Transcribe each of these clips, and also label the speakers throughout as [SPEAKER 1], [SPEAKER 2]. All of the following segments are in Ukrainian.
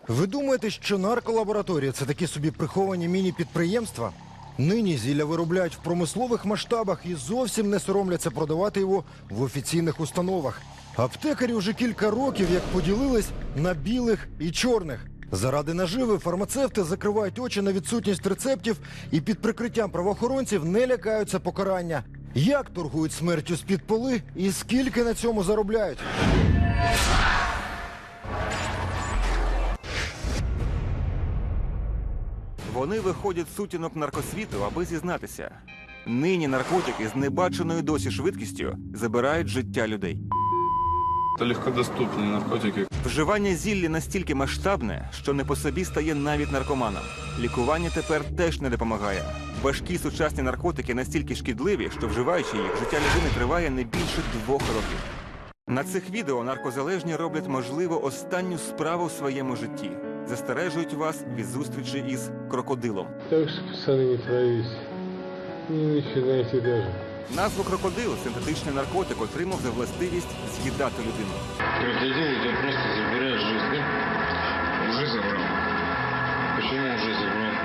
[SPEAKER 1] Ви думаєте, що нарколабораторія – це такі собі приховані міні-підприємства? Нині зілля виробляють в промислових масштабах і зовсім не соромляться продавати його в офіційних установах. Аптекарі вже кілька років як поділились на білих і чорних. Заради наживи фармацевти закривають очі на відсутність рецептів і під прикриттям правоохоронців не лякаються покарання. Як торгують смертю з-під поли і скільки на цьому заробляють?
[SPEAKER 2] Вони виходять з сутінок наркосвіту, аби зізнатися. Нині наркотики з небаченою досі швидкістю забирають життя людей.
[SPEAKER 3] Это легкодоступные наркотики.
[SPEAKER 2] Вживання зілля настільки масштабне, що не по собі стає навіть наркоманам. Лікування тепер теж не допомагає. Важкі сучасні наркотики настільки шкідливі, що вживаючи їх, життя людини триває не більше 2 років. На цих відео наркозалежні роблять, можливо, останню справу в своєму житті. Застережують вас від зустрічі із крокодилом.
[SPEAKER 4] Так что, пацаны, не травись. Не начинайте даже.
[SPEAKER 2] Назву крокодил синтетичний наркотик отримав за властивість з'їдати людину.
[SPEAKER 5] Крокодил у тебя просто забирает жизнь, да? Уже забрал. Почему уже забрал?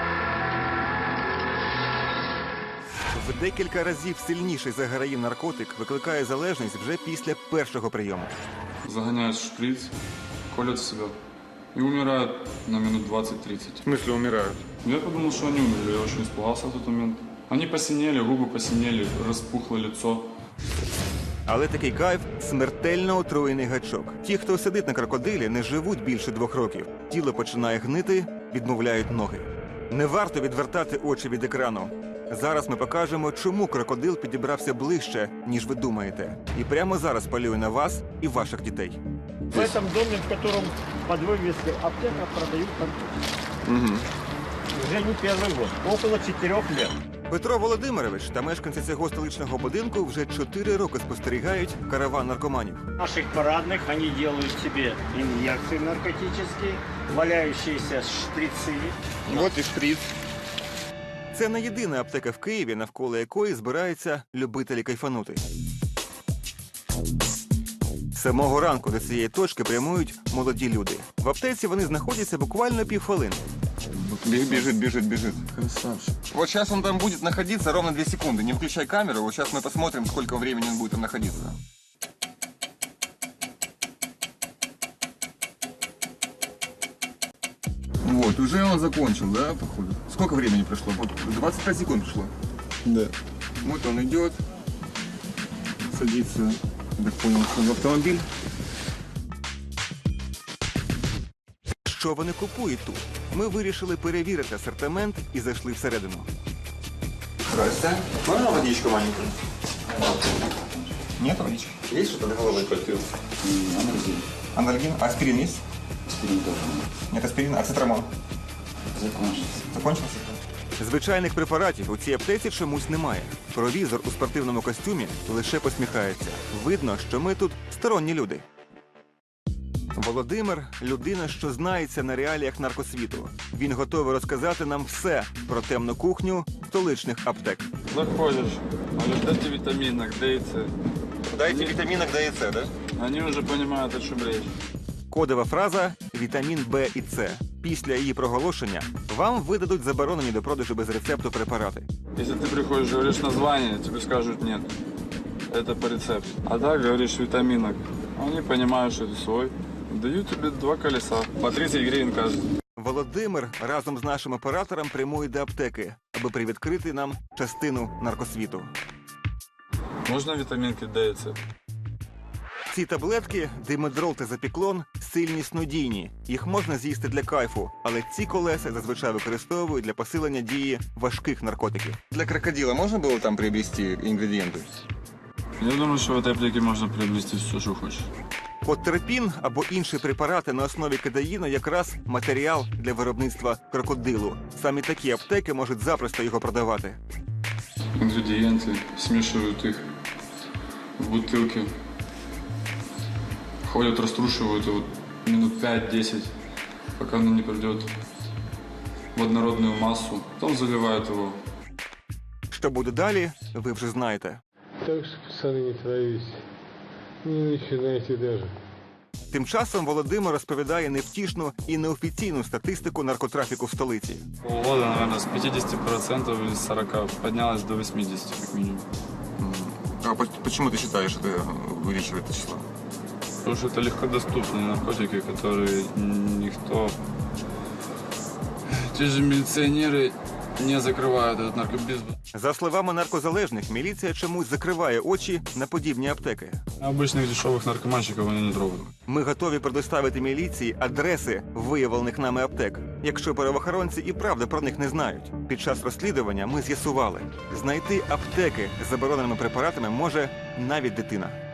[SPEAKER 2] В декілька разів сильніший за героїн наркотик викликає залежність вже після першого прийому.
[SPEAKER 3] Загоняют в шприц, колят в себя и умирают на минут 20-30.
[SPEAKER 2] В смысле умирають?
[SPEAKER 3] Я подумал, что они умерли, я очень испугался в тот момент. Они посинели, губы посинели, распухло лицо.
[SPEAKER 2] Але такий кайф – смертельно отруєний гачок. Ті, хто сидить на крокодилі, не живуть більше 2 років. Тіло починає гнити, відмовляють ноги. Не варто відвертати очі від екрану. Зараз ми покажемо, чому крокодил підібрався ближче, ніж ви думаєте. І прямо зараз полює на вас і ваших дітей.
[SPEAKER 6] В этом доме, в котором под вывеской аптека продают наркотики. Уже не первый год, около 4 лет.
[SPEAKER 2] Петро Володимирович та мешканці цього столичного будинку вже 4 роки спостерігають караван наркоманів.
[SPEAKER 6] В наших парадных они делают себе инъекции наркотические, валяющиеся шприцы.
[SPEAKER 2] От і шприц. Це не єдина аптека в Києві, навколо якої збираються любителі кайфанути. З самого ранку до цієї точки прямують молоді люди. В аптеці вони знаходяться буквально півхвилини.
[SPEAKER 7] Бежит. Красавчик. Вот сейчас он там будет находиться ровно 2 секунды. Не включай камеру, вот сейчас мы посмотрим, сколько времени он будет там находиться. Вот, уже он закончил, да, походу? Сколько времени прошло? Вот 25 секунд прошло.
[SPEAKER 4] Да.
[SPEAKER 7] Вот он идет, садится, так понял, что в автомобиль.
[SPEAKER 2] Що вони купують тут? Ми вирішили перевірити асортимент і зайшли всередину.
[SPEAKER 7] Здрасте. Можно водичку маленькую? Нет водички? Есть что-то для головы?
[SPEAKER 5] Анальгин.
[SPEAKER 7] Анальгин? Аспирин есть?
[SPEAKER 5] Аспирин тоже.
[SPEAKER 7] Нет аспирина. А цитрамон?
[SPEAKER 5] Закончился.
[SPEAKER 7] Закончился?
[SPEAKER 2] Звичайних препаратів у цій аптеці чомусь немає. Провізор у спортивному костюмі лише посміхається. Видно, що ми тут сторонні люди. Володимир – людина, що знається на реаліях наркосвіту. Він готовий розказати нам все про темну кухню столичних аптек.
[SPEAKER 3] Заходишь, говорят, дайте витаминок, Д и С.
[SPEAKER 7] Дайте витаминок Д и С, да?
[SPEAKER 3] Они уже понимают, о чем речь.
[SPEAKER 2] Кодова фраза «вітамін Б і С». Після її проголошення вам видадуть заборонені до продажу без рецепту препарати.
[SPEAKER 3] Если ты приходишь, говоришь название, тебе скажут нет. Это по рецепту. А так говоришь витаминок. Они понимают, что это свой. Дают тебе 2 колеса. По 30 гривен каждый.
[SPEAKER 2] Володимир разом з нашим оператором прямує до аптеки, аби привідкрити нам частину наркосвіту.
[SPEAKER 3] Можно витаминки Д и С?
[SPEAKER 2] Ці таблетки – димедрол та запіклон – сильні снодійні. Їх можна з'їсти для кайфу, але ці колеса зазвичай використовують для посилення дії важких наркотиків.
[SPEAKER 7] Для крокодила можно было там приобрести ингредиенты?
[SPEAKER 3] Я думаю, что в этой аптеке можно приобрести все, что хочешь.
[SPEAKER 2] Подтерпін або інші препарати на основі кадаїну якраз матеріал для виробництва крокодилу. Саме такі аптеки можуть запросто його продавати.
[SPEAKER 3] Ингредиенты, смешивают их в бутылке. Ходят, раструшивают его минут 5-10, пока оно не придет в однородную массу. Потом заливают его.
[SPEAKER 2] Що буде далі, ви вже знаєте.
[SPEAKER 4] Так что, пацаны, не травись. Не начинайте даже.
[SPEAKER 2] Тим часом Володимир розповідає невтішну і неофіційну статистику наркотрафіку в столиці.
[SPEAKER 3] Полгода, наверное, с 50% или с 40 поднялось до 80 как минимум.
[SPEAKER 7] А почему ты считаешь, это увеличивает это число?
[SPEAKER 3] Потому что это легкодоступные наркотики, которые никто... Те же милиционеры не закрывают этот наркобизнес.
[SPEAKER 2] За словами наркозалежних, міліція чомусь закриває очі на подібні аптеки.
[SPEAKER 3] Обычных дешевых наркоманщиков они не трогают.
[SPEAKER 2] Ми готові предоставити міліції адреси виявлених нами аптек, якщо правоохоронці і правда про них не знають. Під час розслідування ми з'ясували, знайти аптеки з забороненими препаратами може навіть дитина.